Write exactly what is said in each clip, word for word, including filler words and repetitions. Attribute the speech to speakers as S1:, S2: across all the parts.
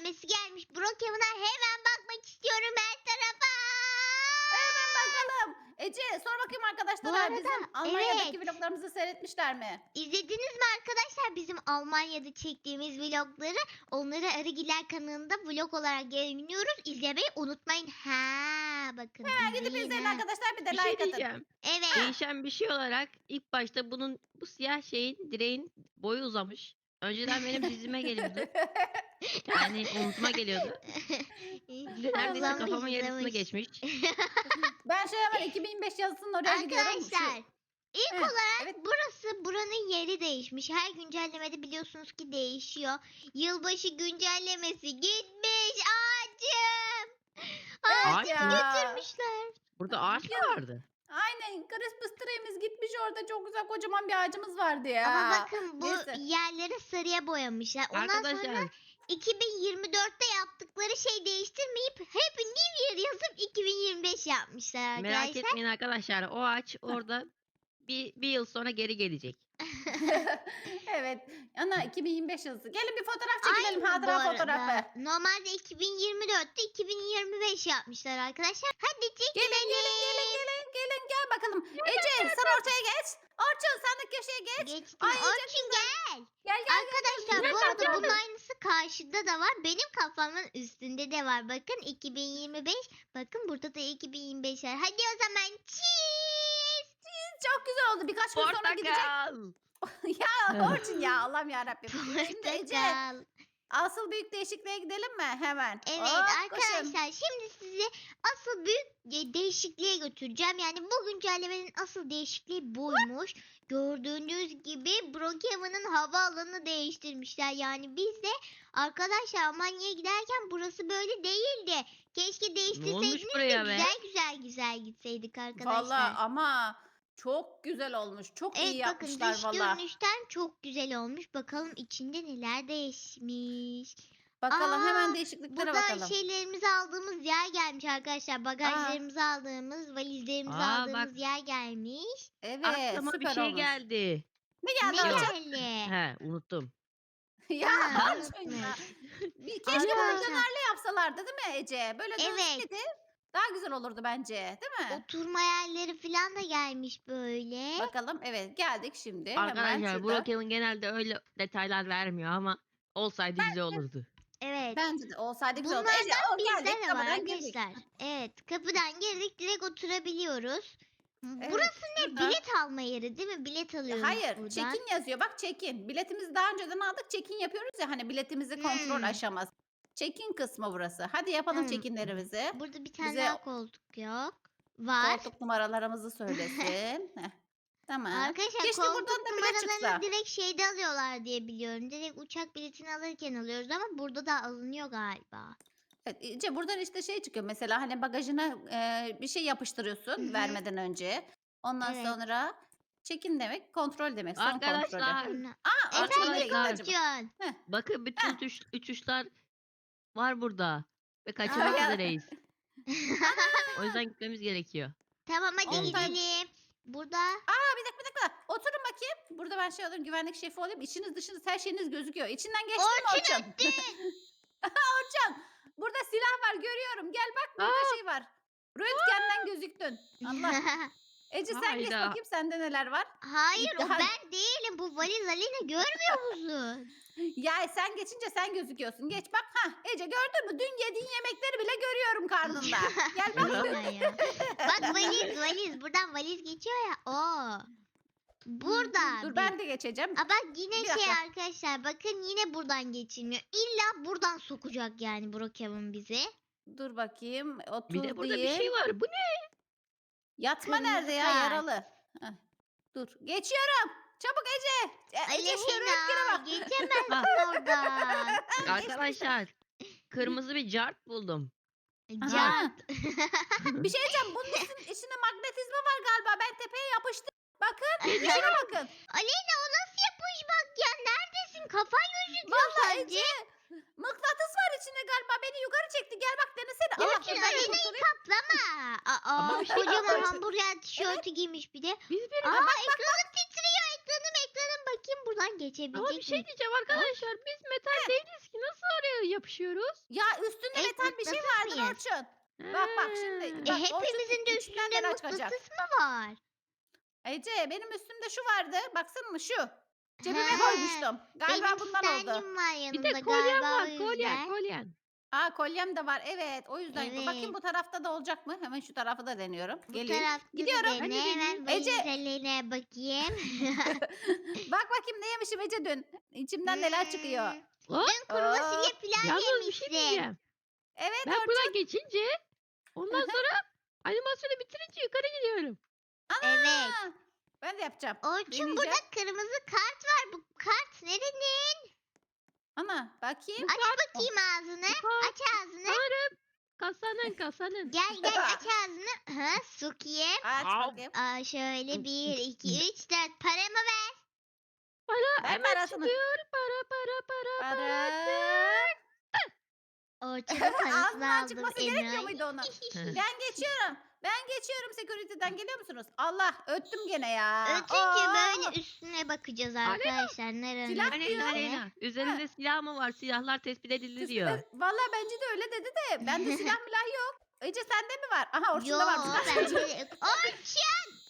S1: güncellemesi gelmiş. Brookhaven'a hemen bakmak istiyorum her tarafa.
S2: Hemen bakalım. Ece sor bakayım
S1: Bu
S2: arkadaşlara
S1: arada,
S2: bizim Almanya'daki
S1: evet.
S2: vloglarımızı seyretmişler mi?
S1: İzlediniz mi arkadaşlar bizim Almanya'da çektiğimiz vlogları? Onları Arıgiler kanalında vlog olarak yayınlıyoruz. İzlemeyi unutmayın. Ha, bakın
S2: Ha, gidip
S1: izleyin
S2: izleyin
S1: ha.
S2: arkadaşlar bir de
S3: Bir şey
S2: like atın.
S3: diyeceğim.
S1: Evet.
S3: Değişen bir şey olarak ilk başta bunun bu siyah şeyin direğin boyu uzamış. Önceden benim dizime geliyordu. Yani omzuma geliyordu. Neredeyse
S1: Uzamış,
S3: kafamın yarısını
S1: uzamış.
S3: geçmiş.
S2: Ben şey hemen iki bin beş yazısının oraya gidiyorum. Şu-
S1: Arkadaşlar ilk
S2: Heh,
S1: olarak
S2: evet.
S1: burası buranın yeri değişmiş. Her güncellemede biliyorsunuz ki değişiyor. Yılbaşı güncellemesi gitmiş ağacım.
S2: Evet
S1: Ağacımı
S2: ya.
S1: götürmüşler.
S3: Burada ağaç mı vardı?
S2: Aynen Christmas tree'miz gitmiş orada çok güzel kocaman bir ağacımız vardı ya.
S1: Ama bakın bu
S2: Neyse.
S1: yerleri sarıya boyamışlar. Ondan sonra
S3: Arkadaşlar
S1: iki bin yirmi dörtte yaptıkları şey değiştirmeyip Happy New Year yazıp iki bin yirmi beş yapmışlar
S3: merak
S1: arkadaşlar.
S3: etmeyin arkadaşlar. O ağaç orada bir, bir yıl sonra geri gelecek.
S2: Evet. Ana iki bin yirmi beş yazısı. Gelin bir fotoğraf çekilelim.
S1: Aynı bu
S2: Hatıra
S1: arada.
S2: fotoğrafı.
S1: Normalde iki bin yirmi dörtte iki bin yirmi beş yapmışlar arkadaşlar. Hadi
S2: Gelin
S1: çekilelim.
S2: gelin gelin gelin gelin gel bakalım. Ece sen ortaya geç. Orçun sen de köşeye geç.
S1: Geçtim.
S2: Ay, çok
S1: Orçun gel.
S2: Gel gel.
S1: Arkadaşlar bu arada bunun aynısı karşıda da var. Benim kafamın üstünde de var. Bakın iki bin yirmi beş. Bakın burada da iki bin yirmi beş var. Hadi o zaman cheese.
S2: Çok güzel oldu. Birkaç gün sonra gidecek.
S3: Portakal.
S2: Ya Orçun ya Allah'ım yarabbim. Şimdi Ece
S1: Portakal.
S2: asıl büyük değişikliğe gidelim mi? Hemen.
S1: Evet
S2: Hop, koşun.
S1: arkadaşlar şimdi sizi asıl büyük e, değişikliğe götüreceğim. Yani bu güncellemenin asıl değişikliği buymuş. Gördüğünüz gibi Brookhaven'ın havaalanını değiştirmişler. Yani biz de arkadaşlar Almanya'ya giderken burası böyle değildi. Keşke değiştirseydiniz de
S3: buraya be?
S1: güzel güzel güzel gitseydik arkadaşlar.
S2: Valla ama çok güzel olmuş. Çok iyi
S1: Evet bakın
S2: yapmışlar
S1: dış
S2: valla.
S1: görünüşten çok güzel olmuş. Bakalım içinde neler değişmiş.
S2: Bakalım
S1: Aa,
S2: hemen değişikliklere
S1: Burada
S2: bakalım.
S1: şeylerimizi aldığımız yer gelmiş arkadaşlar. Bagajlarımızı aldığımız, valizlerimizi
S3: Aa,
S1: aldığımız
S3: bak.
S1: yer gelmiş.
S2: Evet
S3: Aklıma
S2: süper
S3: bir şey
S2: olmuş.
S3: geldi.
S2: Ne
S1: Ne
S2: geldi Orçun?
S1: geldi?
S3: He unuttum.
S2: Ya
S1: Ha,
S2: Orçun ya. Bir, keşke
S1: Arkadaşlar.
S2: bunu dönerli yapsalardı değil mi Ece? Böyle
S1: Evet.
S2: dönseydi daha güzel olurdu bence değil mi?
S1: Oturma yerleri falan da gelmiş böyle.
S2: Bakalım evet geldik şimdi. Hemen
S3: Arkadaşlar
S2: şurada.
S3: Brookhaven genelde öyle detaylar vermiyor ama olsaydı güzel olurdu.
S1: Evet.
S2: Bence de olsaydı güzel olurdu.
S1: Bunlardan
S2: Ece o
S1: bizde
S2: geldik
S1: de var
S2: kapıdan girdik.
S1: arkadaşlar. Evet kapıdan girdik direkt oturabiliyoruz.
S2: Evet,
S1: Burası ne?
S2: burada-
S1: Bilet alma yeri değil mi? Bilet alıyoruz
S2: Hayır
S1: buradan.
S2: check-in yazıyor. Bak check-in. Biletimizi daha önceden aldık. Check-in yapıyoruz ya hani biletimizi kontrol
S1: Hmm.
S2: aşaması. Check-in kısmı burası. Hadi yapalım
S1: Hmm.
S2: check-inlerimizi.
S1: Burada bir tane
S2: Bize
S1: daha koltuk yok. Var.
S2: koltuk numaralarımızı söylesin. Heh, Tamam.
S1: Arkadaşlar
S2: Keşke
S1: koltuk
S2: buradan da bilet çıksa.
S1: numaralarını direkt şeyde alıyorlar diye biliyorum. Direkt uçak biletini alırken alıyoruz ama burada da alınıyor galiba.
S2: Evet, Ece, buradan işte şey çıkıyor. Mesela hani bagajına e, bir şey yapıştırıyorsun
S1: Hı hı.
S2: vermeden önce. Ondan
S1: Evet.
S2: sonra check-in demek kontrol demek. Son kontrolü.
S3: Arkadaşlar
S1: Sonra...
S2: Aa, Orçun nereye gitti
S3: Arkadaşlar.
S2: acaba?
S1: Orçun.
S3: bakın bütün uçuş, uçuşlar var burada. Ve kaçırmak
S2: Aa.
S3: üzereyiz. O yüzden gitmemiz gerekiyor.
S1: Tamam hadi
S2: On tane-
S1: gidelim. Burada
S2: Aa bir dakika bir dakika. Oturun bakayım. Burada ben şey alayım güvenlik şefi olayım. İçiniz dışınız her şeyiniz gözüküyor. İçinden geçtin mi Orçun? Orçun. Burada silah var görüyorum. Gel bak burada şey var. Röntgenden gözüktün. Allah. Ece sen geç
S3: Hayda.
S2: bakayım sende neler var.
S1: hayır o
S2: Daha-
S1: ben değilim. Bu valiz Alina görmüyor musun?
S2: Ya sen geçince sen gözüküyorsun. Geç bak. Ha Ece gördün mü? Dün yediğin yemekleri bile görüyorum karnında. Gel bak.
S1: Yapma ya. Bak valiz valiz. Buradan valiz geçiyor ya. Oo. Burada.
S2: Dur
S1: bir-
S2: ben de geçeceğim.
S1: Aa, bak yine
S2: Bir
S1: şey
S2: dakika.
S1: arkadaşlar. Bakın yine buradan geçilmiyor. İlla buradan sokacak yani Brookhaven bizi.
S2: Dur bakayım. Otur
S3: Bir de burada bir
S2: diyeyim.
S3: şey var. Bu ne?
S2: Yatma
S1: Kırmızı
S2: nerede ya
S1: kart.
S2: yaralı? Heh, Dur. Geçiyorum. Çabuk Ece. E, Ece şu röntgene
S1: Aleyna
S2: bak.
S1: geçemezsin oradan.
S3: Arkadaşlar kırmızı bir cart buldum.
S2: Aha.
S1: Can.
S2: Bir şey diyeceğim. Bunun üstün, içinde magnetizma var galiba. Ben tepeye yapıştım. Bakın. İçine bakın.
S1: Aleyna o nasıl yapışmak ya? Neredesin? Kafan gözüküyor
S2: Vallahi
S1: sadece.
S2: Ece. Mıknatıs var içinde galiba. Beni yukarı çekti. Gel bak denesene. Allah
S1: Orçun
S2: ben de
S1: Aleyna'yı
S2: kurtulayım.
S1: kaplama. Aa,
S3: Ama bir şey
S1: kocaman
S3: yapıyorsun.
S1: hamburger tişörtü giymiş bir de.
S3: Biz bir
S1: Aa ekranım titriyor. Ekranım ekranım bakayım. bakayım buradan geçebilecek
S3: Ama bir şey
S1: miyim?
S3: diyeceğim arkadaşlar. Biz metal değiliz ki. Nasıl oraya yapışıyoruz?
S2: Ya üstünde
S1: Evet,
S2: metal bir şey
S1: mıknatıs
S2: vardır
S1: mıyız?
S2: Orçun. Bak bak şimdi.
S3: Ha.
S1: E,
S2: Bak, Orçun
S1: hepimizin de
S2: içinden
S1: üstünde
S2: neler çıkacak.
S1: mıknatıs mı var?
S2: Ece benim üstümde şu vardı. Baksana mı şu. Cebime
S1: He,
S2: koymuştum. Galiba
S1: Benim
S2: bundan oldu.
S1: standim var
S3: Bir
S1: yanımda
S3: de kolyen
S1: galiba o
S3: var. Kolyen,
S1: yüzden.
S3: kolyen.
S2: Aa kolyem de var. Evet o yüzden.
S1: Evet.
S2: Bakayım bu tarafta da olacak mı? Hemen şu tarafı da deniyorum.
S1: Bu
S2: Gelin.
S1: tarafta da
S2: Gidiyorum.
S1: dene.
S3: Ben de
S1: Hemen
S2: Ece.
S1: valizelerine bakayım.
S2: Bak bakayım ne yemişim Ece dün. İçimden neler çıkıyor.
S1: Hmm,
S3: Hop.
S1: Dün kuru
S2: Aa,
S1: fasulye pilav
S3: Yalnız bir
S1: yemişsin.
S3: şey diyeceğim.
S2: Evet
S3: Ben
S2: Orçun.
S3: buradan geçince ondan sonra animasyonu bitirince yukarı gidiyorum.
S1: Evet.
S2: Aa, ben de yapacağım.
S1: Orçun
S2: Deneyeceğim.
S1: burada kırmızı kart var. Bu kart nerenin?
S2: Ana bakayım.
S1: Aç bakayım ağzını.
S3: kart-
S1: Aç ağzını.
S3: Sanırım kasanın kasanın.
S1: Gel gel aç ağzını. Ha, Sukiye.
S2: Aç
S3: Au.
S2: bakayım.
S1: Aa, şöyle bir, iki, üç, dört. Paramı ver.
S3: Para
S2: Ver
S3: hemen
S2: parasını.
S3: çıkıyor. Para para para para.
S2: Para.
S1: Orçun'un
S2: Ağzından
S1: parasını aldım.
S2: çıkması gerekmiyor
S1: enayi.
S2: muydu ona? Ben geçiyorum. Ben geçiyorum security'den. Geliyor musunuz? Allah öttüm gene ya.
S1: Ötünce
S2: Oo.
S1: böyle üstüne bakacağız arkadaşlar. Nerenin
S2: Silah
S1: üstüne?
S2: diyor.
S3: Aleyna Aleyna. Üzerinde silah mı var? Silahlar tespit edildi diyor.
S2: Üstüne- Vallahi bence de öyle dedi de. Bende silah milah yok. Ece sende mi var? Aha Orçun'da
S1: Yok
S2: var.
S1: bende de yok. Orçun!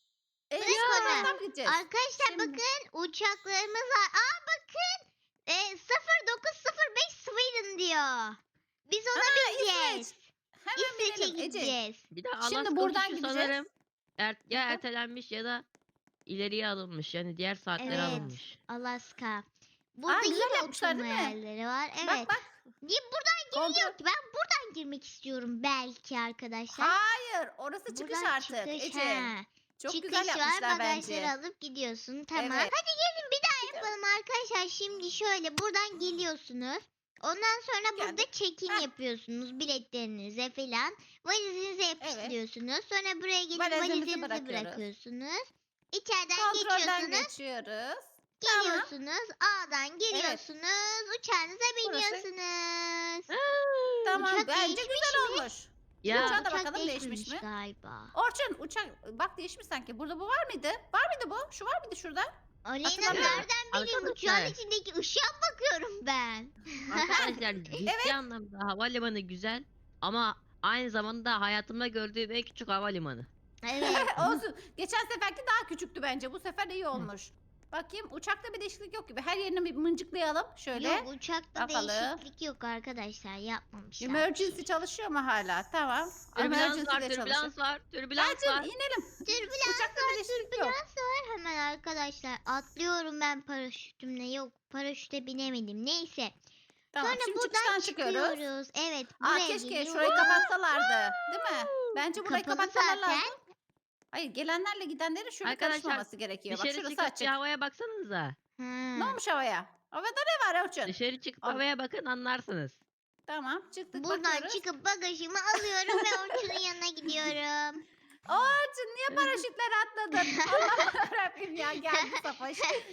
S2: E,
S1: Bırak
S2: şu
S1: onu.
S2: taraftan mı gideceğiz?
S1: Arkadaşlar
S2: Şimdi-
S1: bakın uçaklarımız var. Aa bakın. E, sıfır dokuz sıfır beş Sweden diyor. Biz ona
S2: Aa,
S1: bineceğiz.
S2: Hemen
S1: İsveç'e
S2: binelim Ece.
S1: gideceğiz.
S3: Bir de
S2: Şimdi
S3: Alaska
S2: buradan
S3: uçuşu
S2: gideceğiz.
S3: sanırım er, ya
S2: Hı.
S3: ertelenmiş ya da ileriye alınmış. Yani diğer saatlere
S1: Evet.
S3: alınmış.
S1: Alaska. Burada
S2: güzel
S1: yine
S2: yapmışlar,
S1: oturma
S2: değil mi?
S1: yerleri var. Evet.
S2: Bak bak.
S1: Niye buradan
S2: Kontrol.
S1: giriliyor ki? Ben buradan girmek istiyorum belki arkadaşlar.
S2: Hayır. Orası çıkış
S1: Buradan
S2: artık
S1: çıkış,
S2: Ece.
S1: ha.
S2: Çok
S1: Çıkış
S2: güzel
S1: var
S2: yapmışlar
S1: bagajları
S2: bence.
S1: alıp gidiyorsun. Tamam.
S2: Evet.
S1: Hadi gelin bir daha yapalım arkadaşlar. Şimdi şöyle buradan geliyorsunuz. Ondan sonra burada
S2: Geldik.
S1: check-in
S2: Heh.
S1: yapıyorsunuz biletlerinize falan. Valizinize yapıştırıyorsunuz. Sonra buraya gelip
S2: Valizimizi
S1: valizinizi
S2: bırakıyoruz.
S1: bırakıyorsunuz. İçeriden
S2: Kontrolden
S1: geçiyorsunuz.
S2: geçiyoruz. Tamam.
S1: Geliyorsunuz. A'dan geliyorsunuz. Uçağınıza biniyorsunuz.
S2: Tamam.
S1: Uçak
S2: Bence
S1: değişmiş
S2: güzel
S1: mi?
S2: olmuş.
S3: Ya
S2: Uçağa da
S1: Uçak
S2: bakalım değişmiş
S1: değişmemiş
S2: mi?
S1: galiba.
S2: Orçun uçak bak değişmiş sanki. Burada bu var mıydı? Var mıydı bu? Şu var mıydı şurada?
S1: Aleyna
S2: Hatırlamıyorum.
S1: nereden bileyim uçağın
S3: Arkadaşlar.
S1: içindeki ışığa bakıyorum ben.
S3: arkadaşlar ciddi anlamda havalimanı güzel ama aynı zamanda hayatımda gördüğüm en küçük havalimanı.
S1: Evet.
S2: Olsun. Geçen seferki daha küçüktü bence. Bu sefer iyi olmuş. Bakayım uçakta bir değişiklik yok gibi. Her yerini bir mıncıklayalım. Şöyle.
S1: Yok uçakta
S2: Bakalım.
S1: değişiklik yok arkadaşlar yapmamışlar.
S2: Emergency çalışıyor mu hala? Tamam.
S3: Türbülans
S2: Emergency
S3: var,
S2: de çalışıyor.
S3: türbülans var, türbülans
S2: Hadi
S3: var.
S2: inelim.
S1: Türbülans
S2: Uçakta bir değişiklik yok.
S1: türbülans var hemen arkadaşlar. Atlıyorum ben paraşütümle. Yok paraşüte binemedim. Neyse.
S2: Tamam
S1: Sonra
S2: şimdi
S1: buradan
S2: çıkıştan çıkıyoruz.
S1: çıkıyoruz. Evet
S2: Aa
S1: buraya
S2: keşke
S1: geliyoruz.
S2: şurayı kapatsalardı. Değil mi? Bence burayı
S1: Kapalı
S2: kapatsalar
S1: zaten.
S2: lazım. Hayır gelenlerle gidenlerin şöyle
S3: Arkadaşlar,
S2: karışmaması gerekiyor. Bak
S3: Dışarı
S2: şurası
S3: çıkıp bir
S2: açık.
S3: havaya baksanıza.
S1: Ha.
S2: Ne olmuş havaya? Havada ne var Orçun?
S3: Dışarı çıkıp
S2: Al.
S3: havaya bakın anlarsınız.
S2: Tamam çıktık
S1: Buradan
S2: bakıyoruz.
S1: çıkıp bagajımı alıyorum ve Orçun'un yanına gidiyorum.
S2: Orçun niye paraşütler atladın? Allah Rabbim ya geldi Safaş.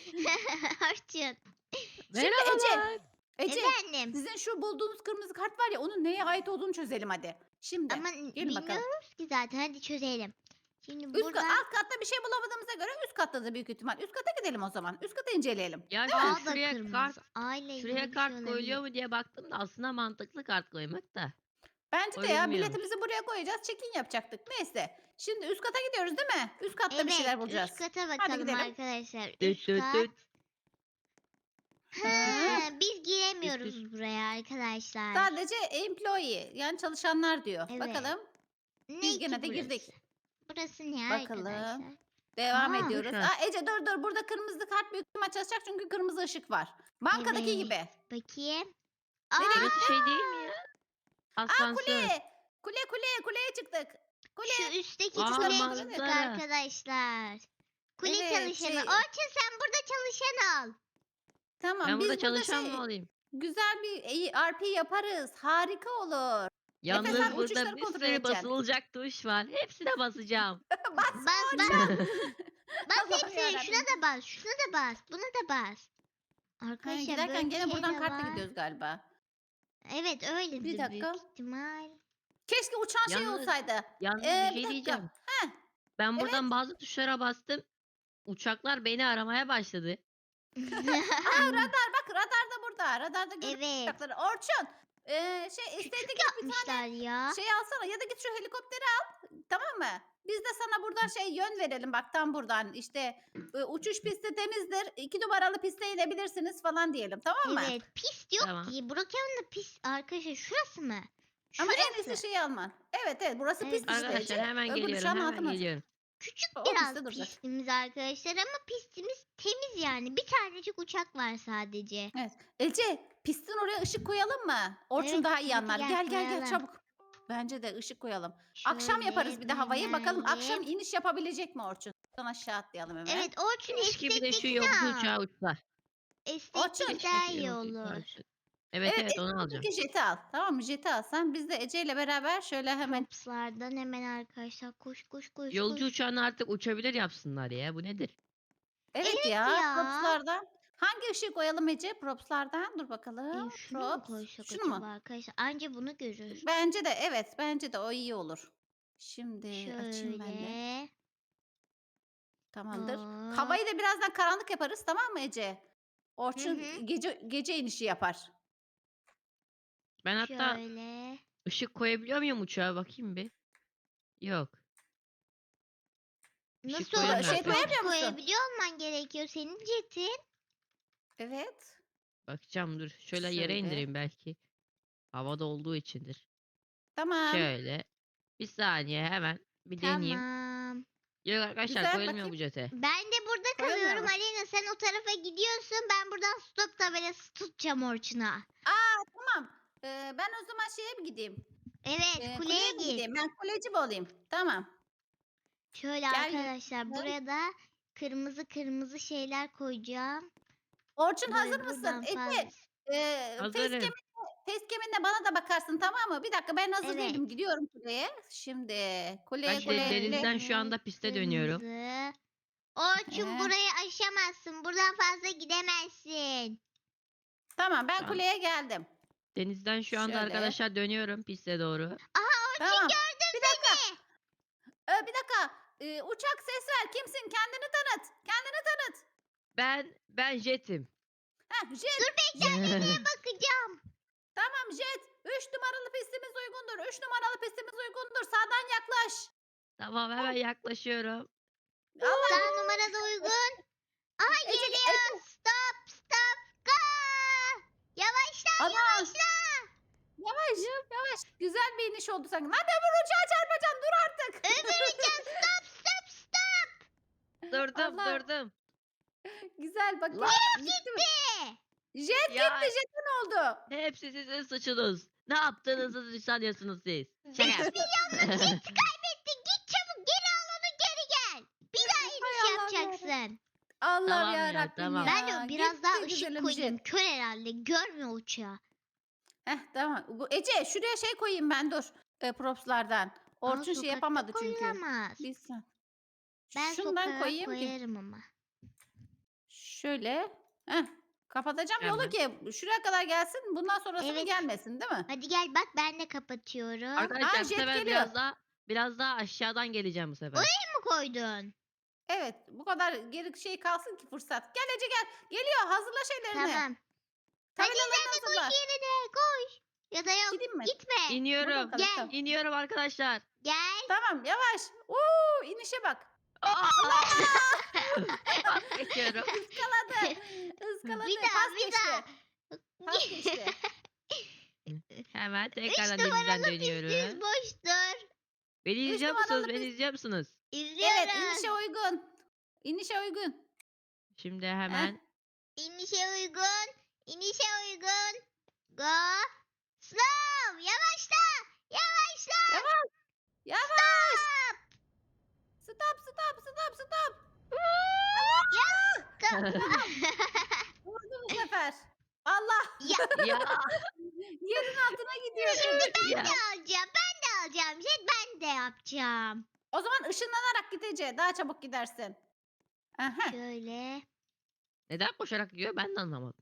S1: Orçun.
S3: Merhabalar.
S2: Ece
S1: Efendim.
S2: sizin şu bulduğunuz kırmızı kart var ya onun neye ait olduğunu çözelim hadi. Şimdi
S1: Ama
S2: gelin bakalım.
S1: bilmiyoruz ki zaten. Hadi çözelim. Şimdi
S2: Üst
S1: burada
S2: kat, alt katta bir şey bulamadığımıza göre üst katta da büyük ihtimal. Üst kata gidelim o zaman. Üst kata inceleyelim.
S3: Ya
S1: A
S3: şu
S1: da
S3: şuraya
S1: kırmızı.
S3: kart,
S1: Aile ilgili
S3: şuraya
S1: bir
S3: kart
S1: şey
S3: koyuluyor
S1: olabilir.
S3: mu diye baktım da aslında mantıklı kart koymak da.
S2: Bence
S3: O
S2: de ya
S3: bilmiyormuş.
S2: biletimizi buraya koyacağız. Check-in yapacaktık. Neyse. Şimdi üst kata gidiyoruz değil mi? Üst katta
S1: Evet
S2: bir şeyler bulacağız.
S1: üst kata bakalım
S2: gidelim.
S1: arkadaşlar.
S3: Düt
S1: Üst
S3: düt
S1: kat.
S3: düt.
S1: Ha, biz
S3: Üst
S1: giremiyoruz buraya arkadaşlar.
S2: Sadece employee yani çalışanlar diyor.
S1: Evet.
S2: Bakalım.
S1: Ne
S2: biz
S1: ki
S2: gene de
S1: burası?
S2: girdik.
S1: Burası ne
S2: Bakalım.
S1: arkadaşlar?
S2: Devam
S1: Aa,
S2: ediyoruz.
S3: güzel.
S2: Aa, Ece dur dur burada kırmızı kart büyük ihtimal çalışacak çünkü kırmızı ışık var. Bankadaki
S1: Evet.
S2: gibi.
S1: Bakayım. Aa,
S3: Burası şey değil mi ya?
S2: Aa
S3: Asansör.
S2: kule. Kule kule kuleye çıktık. Kule.
S1: şu üstteki
S3: Aa,
S1: kuleye
S3: manzara.
S1: çıktık arkadaşlar. Kule
S2: Evet,
S1: çalışanı.
S2: şey-
S1: Orçun sen burada çalışan al.
S2: Tamam
S3: Ben
S2: biz
S3: burada çalışan
S2: şey,
S3: mı olayım?
S2: güzel bir R P yaparız. Harika olur.
S3: Yalnız
S2: sen
S3: burada
S2: uçuşları
S3: bir
S2: kontrol
S3: sürü
S2: edeceksin.
S3: basılacak tuş var. Hepsine basacağım.
S2: Bas.
S1: Bas bas. Bas
S2: Allah'ım
S1: hepsine.
S2: yarabbim.
S1: Şuna da bas. Şuna da bas. Buna da bas.
S2: Ha,
S1: Arkadaşlar
S2: giderken
S1: böyle bir
S2: gene
S1: şey
S2: buradan
S1: de
S2: kartla
S1: var.
S2: gidiyoruz galiba.
S1: Evet öyledir
S2: Bir dakika.
S1: büyük ihtimal.
S2: Keşke uçan şey
S3: Yalnız-
S2: olsaydı.
S3: Yalnız
S2: Ee,
S3: bir
S2: bir
S3: şey
S2: dakika.
S3: diyeceğim.
S2: Heh,
S3: Ben buradan bazı tuşlara bastım. Uçaklar beni aramaya başladı.
S2: Aa radar bak radar da burada. Radarda görüyor
S1: Evet.
S2: uçakları. Orçun ee, şey istediğin bir
S1: Yapmışlar ya.
S2: şey alsana ya da git şu helikopteri al. Tamam mı? Biz de sana buradan şey yön verelim bak tam buradan. İşte e, uçuş pisti temizdir. iki numaralı piste inebilirsiniz falan diyelim tamam mı?
S1: Evet. Pist yok
S3: Tamam.
S1: ki. Brokeman'da pist arkadaşlar şurası mı?
S2: Ama en
S1: Şurası.
S2: iyisi şeyi alman. Evet evet burası
S1: Evet,
S2: pist işte.
S3: Arkadaşlar hemen
S2: Öbürü şu
S3: geliyorum.
S2: an
S3: Hemen
S2: altın olacak.
S3: geliyorum.
S1: Küçük
S2: O
S1: biraz
S2: pistte duracak.
S1: pistimiz arkadaşlar ama pistimiz temiz yani. Bir tanecik uçak var sadece.
S2: Evet. Ece pistin oraya ışık koyalım mı? Orçun
S1: Evet,
S2: daha iyi
S1: hadi
S2: anlar.
S1: gel
S2: Gel gel gel
S1: koyalım.
S2: çabuk. Bence de ışık koyalım. Akşam
S1: Şöyle
S2: yaparız bir de havayı. Bakalım
S1: böyle.
S2: akşam iniş yapabilecek mi Orçun? Buradan aşağı atlayalım hemen.
S1: Evet Orçun
S3: Keşke bir de şu
S1: estektekini
S3: yolcu
S1: al.
S3: uçağı uçsa.
S1: Esteklik
S2: Orçun.
S1: daha
S3: Şu
S1: iyi
S3: yolcu uçağı
S1: olur.
S3: uçsa. Evet evet,
S2: Evet,
S3: onu alacağım.
S2: Ece jeti al. Tamam mı? Jeti al. Sen biz de Ece ile beraber şöyle hemen.
S1: Props'lardan hemen arkadaşlar koş koş koş
S3: Yolcu
S1: koş.
S3: uçağını artık uçabilir yapsınlar ya. Bu nedir?
S2: Evet,
S1: Evet
S2: ya.
S1: ya.
S2: Props'lardan. Hangi ışığı koyalım Ece? Props'lardan. Dur
S1: Ee,
S2: bakalım.
S1: şunu mu
S2: Props.
S1: koysak
S2: Şunu
S1: acaba
S2: mu?
S1: arkadaşlar? Anca bunu görür.
S2: Bence de evet. Bence de o iyi olur. Şimdi açayım ben de.
S1: Şöyle.
S2: Tamamdır.
S1: Hop.
S2: Havayı da birazdan karanlık yaparız tamam mı Ece? Orçun
S1: hı.
S2: gece gece inişi yapar.
S3: Ben hatta
S1: Şöyle.
S3: ışık koyabiliyor muyum uçağa? Bakayım bir. Yok. Işık
S1: Nasıl
S2: koyamıyor
S1: olur?
S2: şey
S3: arkadaşlar.
S2: koyamıyor musun?
S1: Koyabiliyor olman gerekiyor senin jetin.
S2: Evet.
S3: Bakacağım dur. Şöyle yere
S2: Şöyle.
S3: indireyim belki. Havada olduğu içindir.
S2: Tamam.
S3: Şöyle. Bir saniye hemen bir deneyeyim.
S1: Tamam.
S3: Yok arkadaşlar
S2: Güzel,
S3: koyulmuyor bu
S2: bakayım.
S3: jete.
S1: Ben de burada
S2: Koyamıyor
S1: kalıyorum
S2: mu?
S1: Alena. Sen o tarafa gidiyorsun. Ben buradan stop tabelası tutacağım Orçun'a.
S2: Aa tamam. Ee, ben o zaman şeye mi gideyim?
S1: Evet
S2: Ee,
S1: kuleye
S2: mi
S1: git.
S2: gideyim? Ben kuleci mi olayım? Tamam.
S1: Şöyle
S2: Gel
S1: arkadaşlar
S2: yürü.
S1: buraya da kırmızı kırmızı şeyler koyacağım.
S2: Orçun
S1: Böyle
S2: hazır mısın?
S1: buradan
S2: Ece
S1: fazla.
S2: e,
S3: Hazırım.
S2: facecam'inle facecam'inle bana da bakarsın tamam mı? Bir dakika ben hazır
S1: Evet.
S2: değilim. Gidiyorum kuleye. Şimdi kuleye
S3: Ben de
S2: kuleye kule.
S3: denizden şu anda piste dönüyorum.
S1: Kırmızı. Orçun
S2: Ee?
S1: burayı aşamazsın. Buradan fazla gidemezsin.
S2: Tamam ben
S3: Tamam.
S2: kuleye geldim.
S3: Denizden şu anda
S2: Şöyle.
S3: arkadaşlar dönüyorum piste doğru.
S2: Tamam. Bir dakika. Ee, bir dakika. Ee, uçak ses ver. Kimsin? Kendini tanıt. Kendini tanıt.
S3: Ben ben jetim.
S2: Heh, jet.
S1: Bakacağım.
S2: Tamam jet. Üç numaralı pistimiz uygundur. Üç numaralı pistimiz uygundur. Sağdan yaklaş.
S3: Tamam hemen yaklaşıyorum.
S2: Allah.
S1: Sağ numarada uygun. Aha
S2: Ece,
S1: geliyor. Stop stop go. Yavaşla
S2: Ana.
S1: yavaşla.
S2: Yavaş. Yavaş. Güzel bir iniş oldu sanki. Lan öbür uçağa çarpacağım. Dur artık.
S1: Öbür uçak stop stop stop.
S3: Durdum
S2: Allah.
S3: durdum.
S2: Güzel bak.
S3: Lan.
S2: Gitti mi?
S1: Gitti.
S2: Jet
S3: Ya.
S2: gitti. Jet ne oldu?
S3: Hepsi sizin suçunuz. Ne yaptığınızı sanıyorsunuz siz? Şaka.
S1: beş milyonluk jet kaybettin. Git çabuk geri al onu geri gel. Bir daha iniş
S2: Hay Allah
S1: yapacaksın.
S2: Allah'ım
S3: Tamam ya,
S2: yarabbim
S3: tamam.
S2: ya.
S1: Ben de biraz
S2: Gitti
S1: daha ışık
S2: güzelim
S1: koydum.
S2: jet.
S1: Kör herhalde. Görmüyor uçağı.
S2: Heh tamam. Bu, Ece şuraya şey koyayım ben dur. E, propslardan.
S1: Ama
S2: Orçun şey
S1: sokakta
S2: yapamadı çünkü.
S1: koyulamaz.
S2: Bir sen.
S1: Ben
S2: Şundan
S1: sokağa
S2: koyayım ki.
S1: koyarım ama.
S2: Şöyle. Heh. Kapatacağım yolu
S3: Hemen.
S2: ki şuraya kadar gelsin. Bundan sonrasını
S1: Evet.
S2: gelmesin değil mi?
S1: Hadi gel bak ben de kapatıyorum.
S3: Arkadaşlar
S2: Aa,
S3: bu
S2: jet
S3: sefer
S2: geliyor.
S3: biraz daha biraz daha aşağıdan geleceğim bu sefer.
S1: Oraya mı koydun?
S2: Evet. Bu kadar geri şey kalsın ki fırsat. Gel Ece gel. Geliyor. Hazırla şeylerini.
S1: Tamam. Hadi
S2: Tabelalarını
S1: sen de koş
S2: hazırla.
S1: yerine koş. Ya da yok
S2: Gideyim mi?
S1: gitme.
S3: İniyorum.
S2: Burada
S1: Gel.
S2: tamam.
S3: İniyorum arkadaşlar.
S1: Gel.
S2: Tamam yavaş. Oo inişe bak.
S3: Geçiyorum.
S2: Iskaladı. Iskaladı.
S1: Bir daha,
S2: Pas
S1: bir
S2: geçti.
S1: daha.
S2: Pas geçti.
S3: Hemen
S1: Üç
S3: tekrardan denizden
S1: numaralı
S3: dönüyorum.
S1: pistimiz boştur.
S3: Beni izliyor musunuz?
S2: numaralı
S3: Beni
S2: pist-
S3: izliyor musunuz?
S1: İzliyoruz.
S2: Evet inişe uygun. İnişe uygun.
S3: Şimdi hemen
S1: İnişe uygun. İnişe uygun. Go. Slow. Yavaşla. Yavaşla.
S2: Yavaş. Stop stop stop stop. Vurdu bu sefer. Allah.
S1: Ya
S3: ya
S2: Yerin altına gidiyor.
S3: ya.
S1: de alacağım. Ben de alacağım. Jet ben de yapacağım.
S2: O zaman ışınlanarak gideceğiz. Daha çabuk gidersin. Aha.
S1: Şöyle.
S3: Neden koşarak gidiyor ben de anlamadım.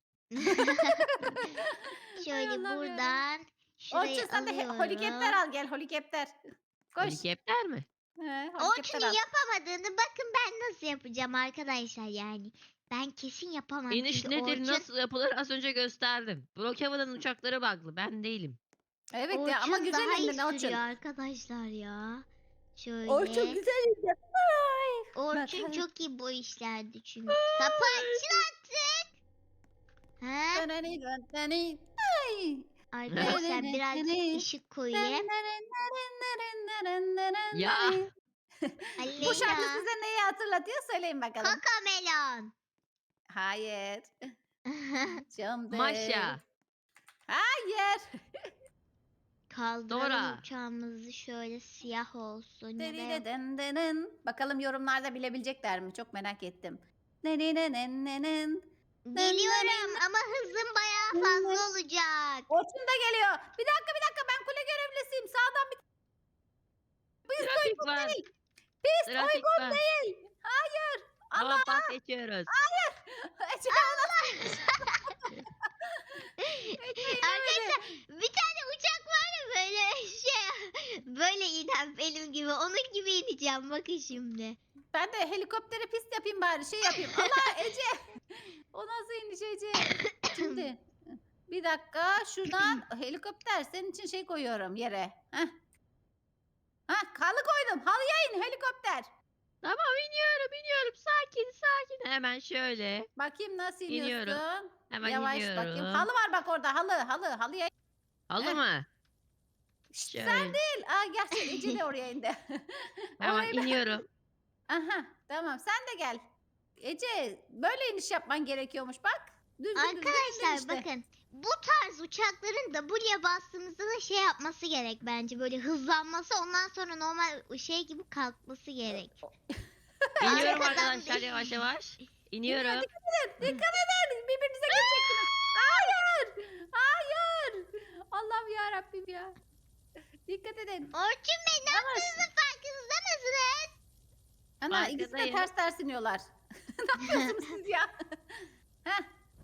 S1: Şöyle
S2: Allah'ım ya.
S1: buradan. Şurayı
S2: Orçun sen de he-
S1: alıyorum.
S2: helikopter al gel helikopter. Koş.
S3: Helikopter mi?
S2: He, helikopter
S1: Orçun'un
S2: al.
S1: yapamadığını bakın ben nasıl yapacağım arkadaşlar yani. Ben kesin yapamam.
S3: İniş
S1: çünkü
S3: nedir,
S1: Orçun,
S3: nasıl yapılır az önce gösterdim. Brookhaven'ın uçakları bug'lı, ben değilim.
S2: Evet ya ama
S1: Orçun
S2: güzel
S1: daha iyi
S2: indin Orçun.
S1: sürüyor arkadaşlar ya. Şöyle.
S2: Orçun güzel indin. Ay.
S1: Orçun
S2: Bakalım.
S1: çok iyi bu işlerdi çünkü. Kapı açın artık. Ha?
S2: Döneni, döneni. Ay.
S1: Arkadaşlar birazcık ışık koyayım.
S3: Ya.
S2: Bu şarkı
S1: Aleyna.
S2: size neyi hatırlatıyor söyleyin bakalım.
S1: Kokamelon.
S2: Hayır. Canım
S3: Maşa.
S2: Hayır.
S1: Kaldıralım
S3: Dora.
S1: uçağımızı şöyle siyah olsun. Ya da
S2: Dırıdıdındının. Bakalım yorumlarda bilebilecekler mi? Çok merak ettim. Dırıdıdındının.
S1: geliyorum ama hızım bayağı fazla olacak.
S2: Orçun da geliyor. Bir dakika bir dakika ben kule görevlisiyim. Sağdan bir pist
S3: Trafik
S2: uygun
S3: var.
S2: değil. Pist
S3: Trafik
S2: uygun
S3: var.
S2: değil. Hayır.
S3: Hava pas geçiyoruz.
S2: Ece,
S1: Arkadaşlar bir tane uçak var ya böyle şey böyle inen benim gibi onun gibi ineceğim bakın şimdi.
S2: ben de helikoptere pist yapayım bari şey yapayım. Allah Ece. O nasıl iniş Ece? Şimdi bir dakika şuradan helikopter senin için şey koyuyorum yere. Heh. Heh, halı koydum. Halıya in helikopter.
S3: Tamam, iniyorum iniyorum, sakin sakin. Hemen şöyle.
S2: Bakayım nasıl
S3: İniyorum.
S2: iniyorsun.
S3: Hemen
S2: Yavaş
S3: iniyorum.
S2: bakayım. Halı var bak orada halı halı halıya.
S3: Halı
S2: Heh.
S3: mı?
S2: Şşt,
S3: Şöyle.
S2: sen değil. Aa gerçi Ece de oraya indi.
S3: Hemen
S2: Orayı ben-
S3: iniyorum.
S2: Aha tamam sen de gel. Ece böyle iniş yapman gerekiyormuş bak. Düzgün düzgün indin
S1: Arkadaşlar
S2: işte.
S1: bakın bu tarz uçakların W'ye bastığımızda da şey yapması gerek bence böyle hızlanması ondan sonra normal şey gibi kalkması gerek.
S3: İniyorum
S1: Arkadan
S3: arkadaşlar,
S1: değil.
S3: yavaş yavaş. İniyorum.
S2: Dikkat edin birbirinize geçeceksiniz. Hayır. Hayır. Allah'ım ya Rabbim ya. Dikkat edin.
S1: Orçun Bey ne
S2: Yavaş.
S1: yaptığınızın farkınızda mısınız?
S2: Ana ikisi de
S3: Arkadayım.
S2: ters ters iniyorlar. Ne yapıyorsunuz siz ya? Heh.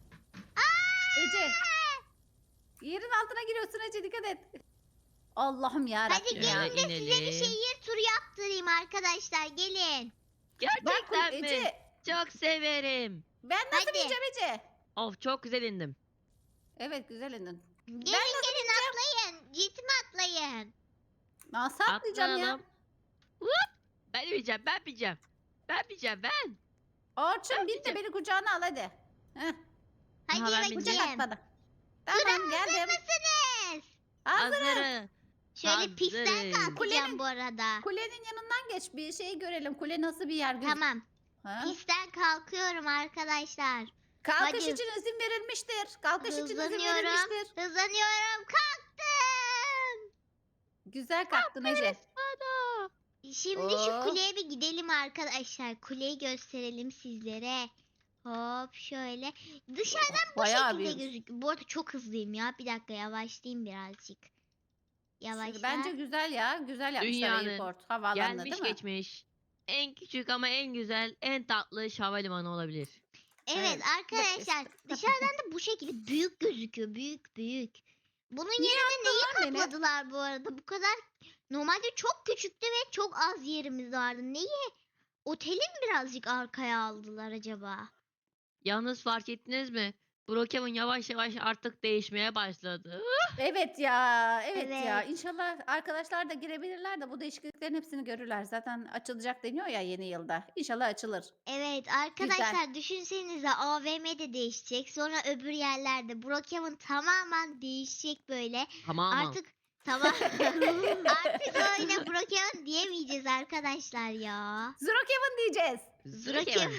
S2: Ece. Yerin altına giriyorsun Ece dikkat et. Allah'ım ya
S1: Hadi
S2: Rabbim ya.
S1: gelin de size bir
S3: inelim.
S1: şehir turu yaptırayım arkadaşlar gelin.
S2: Bak
S3: Gerçekten mi?
S2: Ece.
S3: Çok severim.
S2: Ben nasıl
S1: Hadi.
S2: bineceğim Ece?
S3: Of, çok güzel indim.
S2: Evet güzel indin.
S1: Gelin gelin atlayın. Jetime atlayın.
S2: Nasıl atlayacağım ya?
S3: Atlayalım. Hop. Ben bineceğim, ben bineceğim. Ben bineceğim, ben.
S2: Orçun bin de
S3: bineceğim.
S2: beni kucağına al hadi. Heh,
S1: Hadi
S3: Aha, ben
S1: bakayım.
S2: kucak at bana.
S1: Sıra
S2: Tamam
S1: hazır
S2: geldim.
S1: mısınız?
S2: Hazırım.
S3: Hazırım.
S1: Şöyle pistten
S3: Hazırız.
S1: kalkacağım
S2: Kulenin-
S1: bu arada.
S2: Kulenin yanından geç bir şey görelim. Kule nasıl bir yer gözüküyor?
S1: Tamam.
S2: Ha?
S1: Pistten kalkıyorum arkadaşlar.
S2: Kalkış
S1: Hadi.
S2: için izin verilmiştir. Kalkış için izin
S1: Hızlanıyorum.
S2: verilmiştir.
S1: Hızlanıyorum. Kalktım.
S2: Güzel kalktın Ece.
S3: Bana.
S1: Şimdi şu
S2: Oo.
S1: kuleye bir gidelim arkadaşlar. Kuleyi gösterelim sizlere. Hop şöyle. Dışarıdan bu
S2: Bayağı
S1: şekilde
S2: büyümüş.
S1: gözüküyor. Bu arada çok hızlıyım ya. Bir dakika yavaşlayayım birazcık. Yavaşla.
S2: Şimdi bence güzel ya. Güzel yapmışlar
S3: Dünyanın
S2: airport. Havaalanı
S3: Gelmiş
S2: değil mi?
S3: geçmiş. En küçük ama en güzel, en tatlı havalimanı olabilir.
S1: Evet
S2: Evet.
S1: arkadaşlar dışarıdan da bu şekilde büyük gözüküyor. Büyük büyük. Bunun
S2: Niye
S1: yerine neyi
S2: lan beni?
S1: kapladılar bu arada? Bu kadar normalde çok küçüktü ve çok az yerimiz vardı. Neyi? Otelin birazcık arkaya aldılar acaba?
S3: Yalnız fark ettiniz mi? Brookhaven yavaş yavaş artık değişmeye başladı.
S2: Evet ya. Evet, ya.
S1: Evet.
S2: İnşallah arkadaşlar da girebilirler de bu değişikliklerin hepsini görürler. Zaten açılacak deniyor ya yeni yılda. İnşallah açılır.
S1: Evet arkadaşlar düşünsenize A V M de değişecek. Sonra öbür yerlerde Brookhaven tamamen değişecek böyle.
S3: Tamam mı?
S1: Artık tamam. Artık öyle Brookhaven diyemeyeceğiz arkadaşlar ya.
S2: Zrokeven diyeceğiz.
S3: Brookhaven.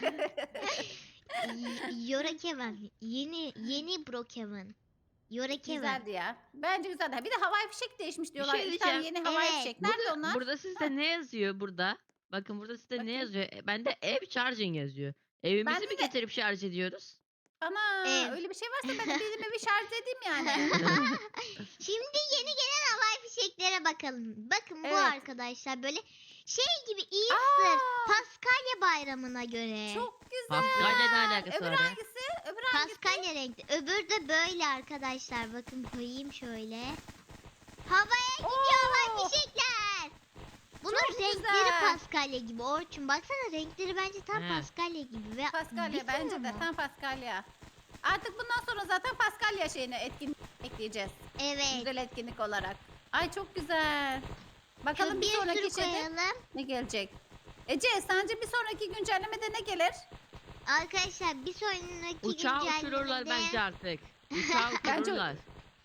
S1: Y- Yorakeven. Yeni yeni Brookhaven. Yorakeven.
S2: Güzeldi ya. Bence güzeldi. Bir de havai fişek değişmiş diyorlar.
S3: şey
S2: İki tane
S3: diyeceğim.
S2: yeni havai
S1: Evet.
S2: fişek. Nerede
S3: Burada,
S2: onlar?
S3: burada sizde ne yazıyor burada? Bakın burada sizde
S2: Bakayım.
S3: ne yazıyor? E, Bende ev charging yazıyor. Evimizi
S2: Bende
S3: mi
S2: de-
S3: getirip şarj ediyoruz?
S2: Ana
S1: Ev.
S2: öyle bir şey varsa ben de benim evi şarj edeyim yani.
S1: Şimdi yeni gelen havai fişeklere bakalım. Bakın bu
S2: Evet.
S1: arkadaşlar böyle şey gibi Easter,
S2: Aa,
S1: Paskalya bayramına göre.
S2: çok güzel.
S3: Paskalya ne alakası
S2: Öbür
S3: var ya?
S2: hangisi? Öbür hangisi?
S1: Paskalya renkli. Öbür de böyle arkadaşlar. Bakın koyayım şöyle. Havaya gidiyor havai
S2: Oo,
S1: fişekler. Bunun
S2: çok
S1: renkleri
S2: güzel.
S1: paskalya Paskalya gibi Orçun. Baksana renkleri bence tam
S3: He.
S1: Paskalya gibi. Ve
S2: Paskalya
S1: bir
S2: bence
S1: sürü
S2: de
S1: mü?
S2: tam Paskalya. Artık bundan sonra zaten Paskalya şeyini etkinlik ekleyeceğiz.
S1: Evet.
S2: Güzel etkinlik olarak. Ay çok güzel.
S1: Şöyle
S2: Bakalım bir
S1: bir
S2: sonraki
S1: sürü
S2: şeyde
S1: koyalım.
S2: ne gelecek? Ece sence bir sonraki güncellemede ne gelir?
S1: Arkadaşlar bir sonraki
S3: Uçağı uçururlar
S1: güncellemede
S3: bence artık. Uçağı
S2: Bence-
S3: uçururlar.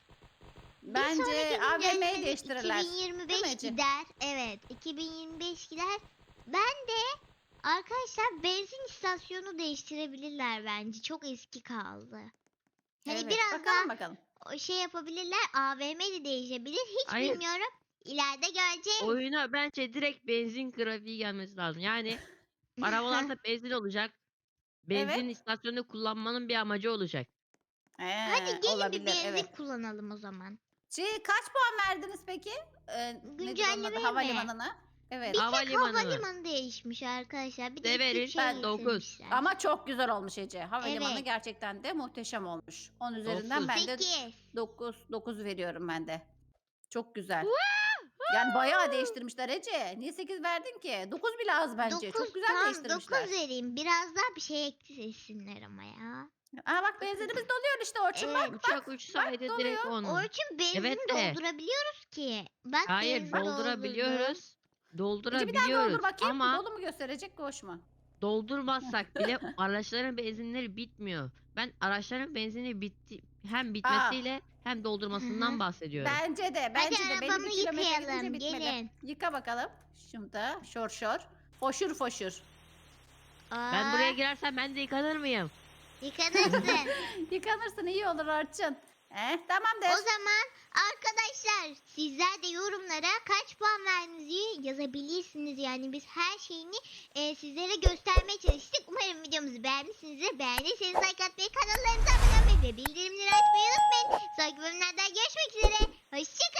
S1: bir
S2: Bence
S1: sonraki
S2: A V M'yi
S1: güncellemede
S2: değiştirirler.
S1: iki bin yirmi beş
S2: Değil mi Ece?
S1: gider. Evet, iki bin yirmi beş gider. Ben de arkadaşlar benzin istasyonu değiştirebilirler bence. Çok eski kaldı. Hani
S2: Evet,
S1: biraz
S2: bakalım
S1: daha
S2: bakalım.
S1: o şey yapabilirler. A V M de değişebilir. Hiç
S3: Hayır.
S1: bilmiyorum. İleride göreceğiz.
S3: Oyuna bence direkt benzin grafiği gelmesi lazım. Yani arabalarda benzin olacak. Benzin
S2: Evet.
S3: istasyonunu kullanmanın bir amacı olacak.
S2: Ee,
S1: Hadi gelin
S2: olabilir,
S1: bir benzin
S2: evet.
S1: kullanalım o zaman.
S2: Şey, kaç puan verdiniz peki? Ee, nedir onun adı?
S1: Güncellemeye mi?
S2: Havalimanına. Evet.
S1: Bir
S3: Havalimanı
S1: tek
S3: mı?
S1: havalimanı değişmiş arkadaşlar. Bir de
S3: Severim,
S1: küçük şey
S3: ben dokuz.
S1: getirmişler.
S2: Ama çok güzel olmuş Ece. Havalimanı
S1: Evet.
S2: gerçekten de muhteşem olmuş. on üzerinden
S3: Dokuz.
S2: ben de
S1: sekiz.
S2: dokuz dokuz veriyorum ben de. Çok güzel. Yani bayağı değiştirmişler Ece. Niye sekiz verdin ki? dokuz bile az bence. Çok güzel
S1: tamam,
S2: değiştirmişler.
S1: dokuz vereyim. Biraz daha bir şey eklesinler ama ya.
S2: Aa bak benzinimiz doluyor işte Orçun
S1: Evet.
S2: bak.
S3: Uçak uçsaydı
S2: doluyor.
S3: direkt on.
S1: Orçun benzin
S3: Evet de.
S1: doldurabiliyoruz ki. Bak
S3: Hayır
S1: benzin doldurdum.
S3: doldurabiliyoruz.
S2: Ece bir daha
S3: Doldurabiliyoruz.
S2: doldur bakayım.
S3: Ama
S2: Dolu mu gösterecek boş mu?
S3: doldurmazsak bile araçların benzinleri bitmiyor. Ben araçların benzini bitti hem
S2: Aa.
S3: bitmesiyle hem
S1: Hı
S3: doldurmasından
S1: hı.
S3: bahsediyorum.
S2: Bence de. Bence de. Belli
S1: arabamı
S2: bir kilometre
S1: yıkayalım,
S2: gidince bitmedi.
S1: gelin.
S2: Yıka bakalım. Şurada şor şor. Foşur foşur.
S1: Aa,
S3: Ben buraya girersem ben de yıkanır mıyım?
S1: yıkanırsın.
S2: Yıkanırsın iyi olur Orçun. Eh tamamdır.
S1: O zaman arkadaşlar sizler de yorumlara kaç puan verdiğinizi yazabilirsiniz. Yani biz her şeyini e, sizlere göstermeye çalıştık. Umarım videomuzu beğenmişsinizdir. Beğendiyseniz like atmayı, kanallarımıza abone olmayı ve bildirimleri açmayı unutmayın. Sonraki bölümlerde görüşmek üzere. Hoşçakalın.